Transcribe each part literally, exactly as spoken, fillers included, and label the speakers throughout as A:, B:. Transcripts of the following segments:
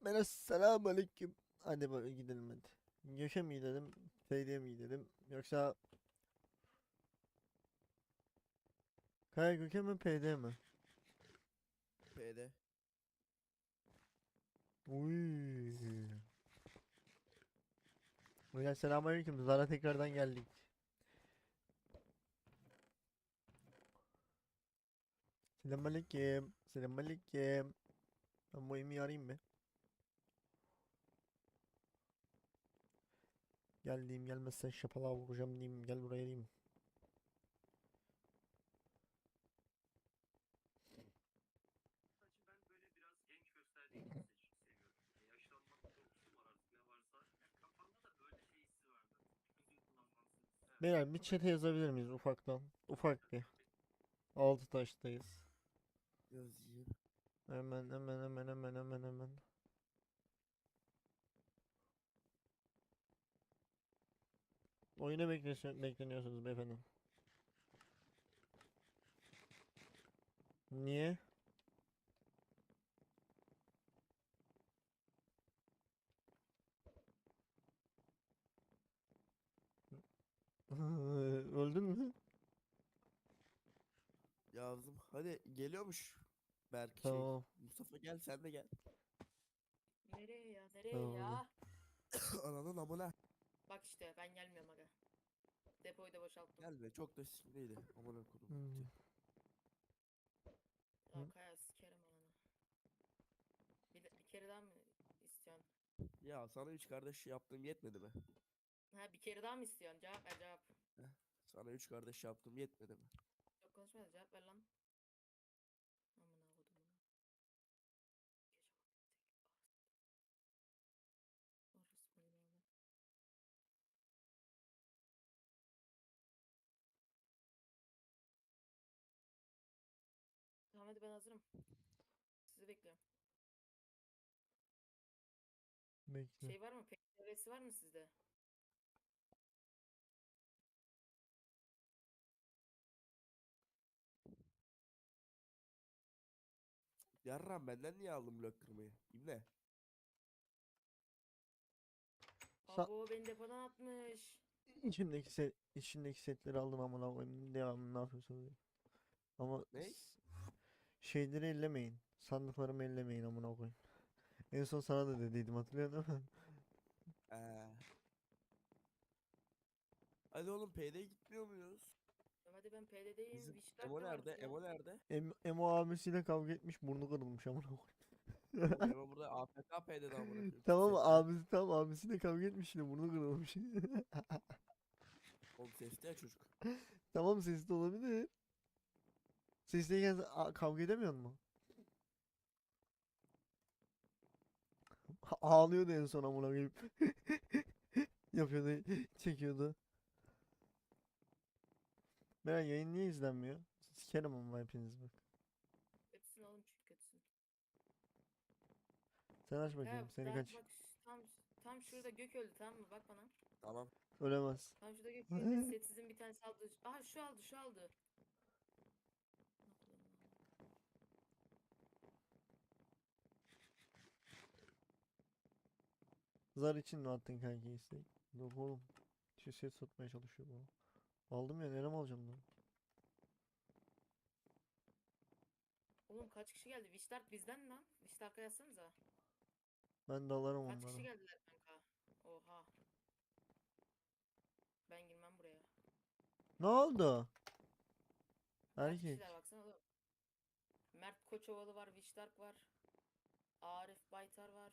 A: Bana selamun aleyküm. Hadi böyle gidelim hadi. Gök'e mi gidelim? Feyde'ye mi gidelim? Yoksa Kaya Gök'e mi P'de mi?
B: P'de.
A: Uy. Hocam selamun aleyküm. Zara tekrardan geldik. Selamun aleyküm. Selamun aleyküm. Ben bu Emi'yi arayayım mı? Gel diyeyim, gelmezsen şapalağa vuracağım diyeyim. Gel buraya diyeyim. Beyler bir chat'e yazabilir miyiz ufaktan? Ufak bir. Altı taştayız.
B: Yazayım.
A: Hemen hemen hemen hemen hemen hemen. Oyuna bekleniyorsunuz, bekleniyorsunuz beyefendi. Niye? Öldün mü?
B: Yazdım. Hadi geliyormuş. Berk şey.
A: Tamam.
B: Mustafa gel sen de gel.
C: Nereye ya? Nereye
A: Tamam.
C: ya?
B: Ananın amına.
C: Bak işte ben gelmiyorum aga. Depoyu da boşalttım.
B: Gelme çok da sinirliydi. Amına kodum.
A: Hmm.
C: Ya
A: Hı.
C: Kaya sikerim ananı. Bir, de- bir kere daha mı istiyorsun?
B: Ya sana üç kardeş yaptığım yetmedi mi?
C: Ha bir kere daha mı istiyorsun? Cevap ver cevap.
B: Heh, sana üç kardeş yaptığım yetmedi mi?
C: Çok konuşma da cevap ver lan. Amına kodumun. Gece vakti. Orospu evladı. Tamam hadi ben hazırım. Sizi bekliyorum.
A: Bekle.
C: Şey var mı? P D V'si var mı sizde?
B: Yarram benden niye aldın blok kırmayı? İbne.
A: Sa
C: Abo beni depodan atmış.
A: içindeki set içindeki setleri aldım amına koyayım. Devamlı ne yapıyorsunuz? Ama
B: Ne?
A: s- şeyleri ellemeyin. Sandıklarımı ellemeyin amına koyayım. En son sana da dediydim, hatırlıyor musun?
B: Ee. Hadi oğlum P'de gitmiyor muyuz?
C: Tamam hadi ben P D'deyim.
B: Bizim
C: Witchdark
B: Emo
C: da var
B: nerede?
C: burada.
B: Emo nerede?
A: Em Emo abisiyle kavga etmiş, burnu kırılmış amına
B: Oğlum
A: koyayım.
B: Emo burada A F K P'de de amına koyayım.
A: Tamam mı?
B: Seste.
A: Abisi, tamam, abisiyle kavga etmiş yine, burnu kırılmış.
B: Oğlum seste ya çocuk.
A: Tamam, sesli olabilir. Sesliyken a- kavga edemiyor mu? Ağlıyordu en son amına koyayım. Yapıyordu, çekiyordu. Meğer yayın niye izlenmiyor? Sikerim ama hepiniz bak.
C: Kötüsün oğlum çünkü kötüsün.
A: Sen aç
C: Kaya
A: bakayım, seni
C: daha
A: kaç.
C: bak ş- tam tam şurada gök öldü tamam mı? Bak bana.
B: Tamam.
A: Ölemez.
C: Tam şurada gök öldü. Setsizin bir tanesi aldı. Aha şu aldı şu aldı.
A: Zar için mi attın kanki istek? Yok oğlum. Şu set satmaya çalışıyor bu. Aldım ya, nerem alacağım lan?
C: Oğlum kaç kişi geldi? Wishdark bizden lan. Wishdark'a yazsanıza.
A: Ben de alırım
C: Kaç kişi
A: onları.
C: geldiler kanka? Oha. Ben girmem buraya.
A: Ne oldu?
C: Kaç
A: Erkek.
C: kişiler baksana oğlum. Mert Koçovalı var. Wishdark var. Arif Baytar var.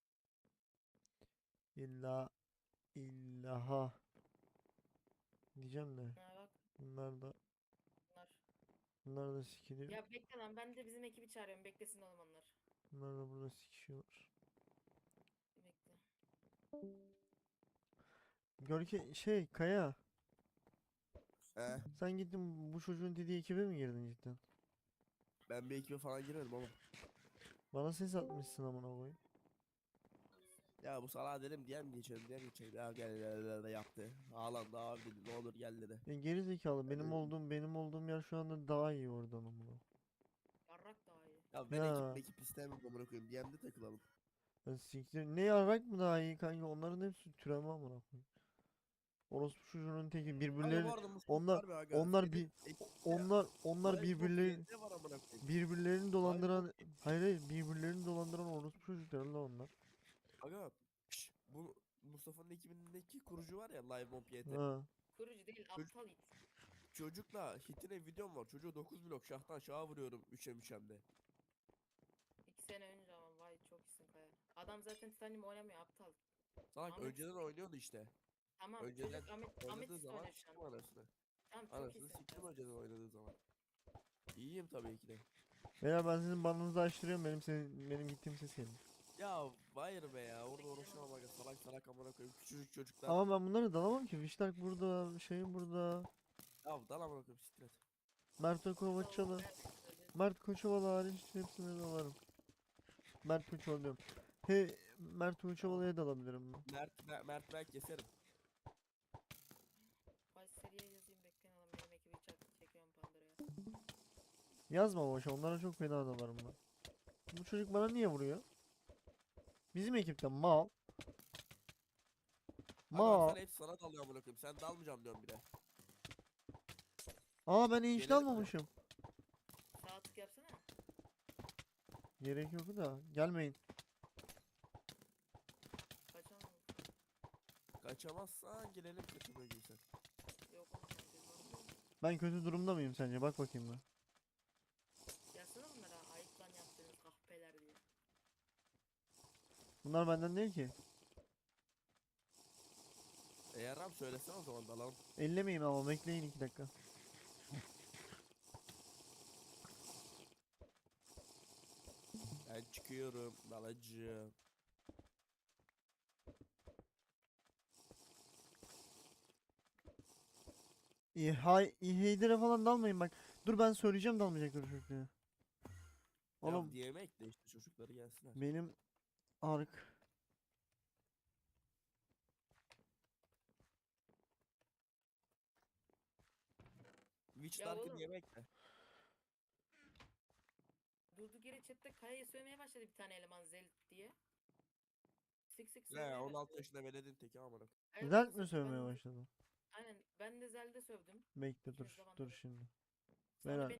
A: İlla illaha diyeceğim de.
C: Ha bak
A: Bunlar da
C: bunlar.
A: bunlar da sikiliyor.
C: Ya bekle lan ben de bizim ekibi çağırıyorum. Beklesin oğlum onlar.
A: Bunlar da burada sikişiyorlar.
C: Bekle.
A: Görke şey Kaya,
B: He.
A: sen gittin bu çocuğun dediği ekibe mi girdin cidden?
B: Ben bir ekibe falan girmedim oğlum.
A: Bana ses atmışsın amına koyayım.
B: Ya bu salağa dedim diye mi geçelim diye mi geçelim. Ya gel gel gel gel yaptı. Ağlandı abi dedi ne olur gel dedi.
A: Ya geri zekalı,
B: Ben
A: benim
B: dedim,
A: olduğum benim olduğum yer şu anda daha iyi oradan amına.
C: Yarrak daha iyi.
B: ya ben ekip
A: Ya
B: ekip istemiyorum amına koyayım. D M'de takılalım.
A: Ya siktir. Ne yarak mı daha iyi kanka? Onların hepsi türeme amına koyayım. Orospu çocuğunun teki
B: Kanka
A: birbirleri
B: bu arada Mustafa
A: onlar
B: var be aga.
A: onlar
B: Senin
A: bir
B: ekipte
A: onlar onlar
B: Live Mob
A: birbirleri
B: Y T var amına koyayım.
A: birbirlerini
B: Live Mob
A: dolandıran
B: Y T.
A: hayır hayır birbirlerini dolandıran orospu çocukları la onlar.
B: Aga şş, bu Mustafa'nın ekibindeki kurucu var ya Live Mob Y T.
A: Ha.
C: Kurucu değil
B: Çocuk-
C: aptal it.
B: Çocukla hitine videom var. Çocuğu dokuz blok şahtan şaha vuruyorum üçem üçemde.
C: İki sene önce ama vay çok iyisin Kaya. Adam zaten Titanium oynamıyor aptal.
B: Salak
C: Ahmet
B: önceden
C: Sıkı-
B: oynuyordu işte.
C: Tamam
B: Önceden
C: çocuk Ahmet, Ahmet
B: oynadığı
C: Sıkı
B: zaman
C: oynuyor şu
B: siktim
C: an.
B: anasını.
C: Tamam çok
B: Anasını
C: iyisin.
B: siktim önceden oynadığı zaman. İyiyim tabii ki de.
A: Beyler ben sizin banınızı açtırıyorum benim senin benim gittiğim ses geldi.
B: Ya hayır be ya orada uğraşamam aga salak salak amına koyayım küçücük çocuklar.
A: Ama ben bunları dalamam ki. Viştak burada, şey burada.
B: Ya dal amına koyayım siktir et.
A: Mert Kovaçalı. Mert Koçovalı hariç hepsini dalarım. Mert Koçovalı diyorum. He Mert Koçovalı'ya dalabilirim ben.
B: Mert, Mert, Mert ben keserim.
C: Vay seriye yazayım bekleyin oğlum benim ekibi çak çekiyorum Pandora'ya.
A: Yazma boşa onlara çok fena dalarım ben. Bu çocuk bana niye vuruyor? Bizim ekipten mal.
B: Aga
A: Mal.
B: sen hep sana dalıyor amına koyayım sen dalmayacağım diyorum bir de.
A: Aa ben hiç
B: Gelelim mi?
A: dalmamışım.
C: Sağ tık yapsana.
A: Gerek yok da gelmeyin.
C: Kaçamam.
B: Kaçamazsan gelelim kaçamıyor gibi sen.
C: Yok oğlum ben biz var.
A: Ben kötü durumda mıyım sence? Bak bakayım ben.
C: Yazsana bunlara ayıp lan yaptığınız kahpeler diye.
A: Bunlar benden değil ki.
B: E yaram söylesene o zaman dalalım.
A: Ellemeyeyim ama bekleyin iki dakika.
B: Ben çıkıyorum dalacığım.
A: İyi hay iyi Heyder'e falan dalmayın bak. Dur ben söyleyeceğim dalmayacakları çocuklara.
B: Ya
A: Oğlum
B: diyemek de işte çocukları gelsinler.
A: benim ark
B: Witch
C: Ya
B: Dark'ı
C: oğlum.
B: diyemek de.
C: Durduk yere chatte Kaya'yı sövmeye başladı bir tane eleman Zelt diye. Sık sık
B: Ne
C: sövmeye
B: on altı
C: başladı.
B: yaşında veledin teki amına koyayım.
C: Evet,
A: Zelt
C: sık
A: mi
C: sık
A: sövmeye
C: ben de-
A: başladı?
C: Aynen ben de Zel'de sövdüm.
A: Bekle
C: İkimiz
A: dur
C: zamanında.
A: dur şimdi.
C: Sonra
A: Beyler
C: beni